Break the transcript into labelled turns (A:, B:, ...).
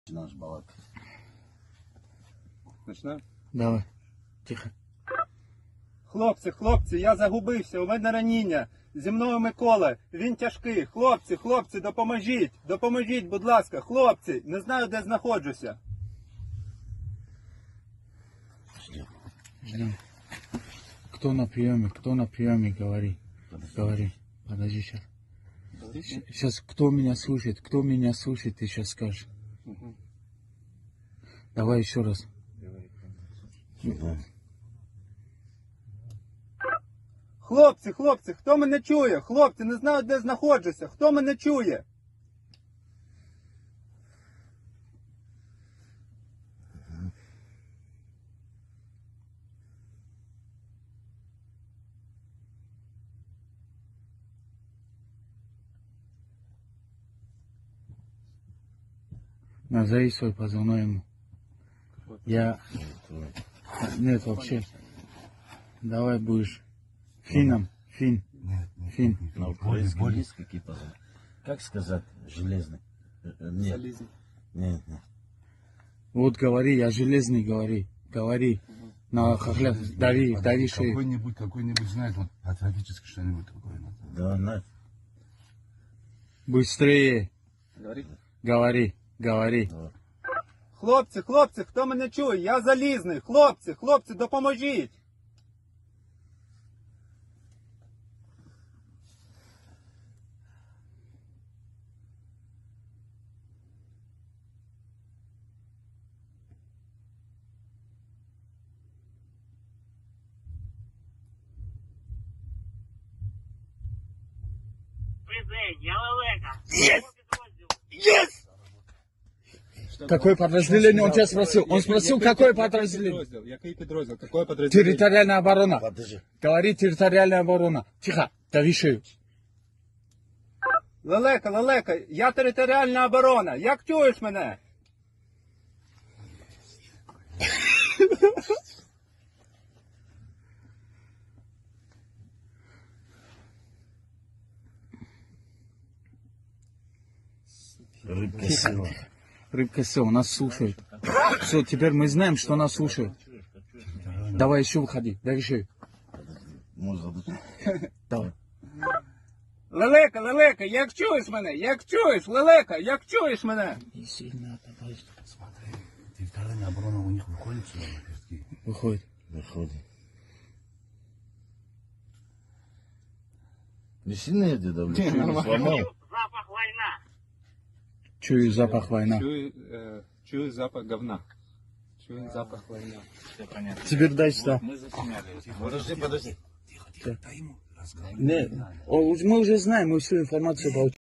A: Наш балак.
B: Почнемо?
C: Давай. Тихо.
B: Хлопці, я загубився, у мене раніння. Зі мною Микола, він тяжкий. Хлопці, допоможіть, будь ласка, хлопці, не знаю, де знаходжуся.
C: Ждем. Кто на приеме, говори. Говори. Подожди сейчас. Сейчас кто меня слушает, ты сейчас скажешь. Давай еще раз.
B: Хлопці, хто мене чує? Хлопці, не знаю, де знаходжуся. Хто мене чує?
C: Назови свой позывной ему. Я... Нет, вообще. Давай будешь финном. Фин. Фин.
A: На украинском есть какие-то... Как сказать? Железный. Нет.
B: Залізь.
A: Нет.
C: Вот говори, я железный, говори. На хохлях, дави шею.
D: Какой-нибудь знает, вот, патриотически что-нибудь такое.
A: Да, на.
C: Быстрее.
B: Говори.
C: Говори.
B: Хлопці, хто мене чує? Я залізний. Хлопці, допоможіть.
C: Какое подразделение? Он тебя спросил. Он спросил, какое подразделение?
B: Який підрозділ? Какое подразделение?
C: Территориальная оборона.
A: Подожди.
C: Говори, территориальная оборона. Тихо, дави шею.
B: Лелека, я територіальна оборона. Як чуєш мене?
A: Рыбка села.
C: Рыбка сел, нас слушают. Все, теперь мы знаем, что нас слушают. Давай еще выходи, дави шею.
A: Можно быть.
C: Давай.
B: Лелека, як чуєш мене? Як чуєш мене?
C: Не сильно давай.
D: Смотри, территориальная оборона у них выходит сюда на пески.
C: Выходит.
A: Выходит. Не сильно я тебя давлю? Что, не сломал?
C: Чую запах война.
B: Чую запах говна. Чую запах война.
C: Теперь дай сюда.
A: Подожди.
D: Тихо, дай ему разговаривать.
C: Нет, мы уже знаем, мы всю информацию получили.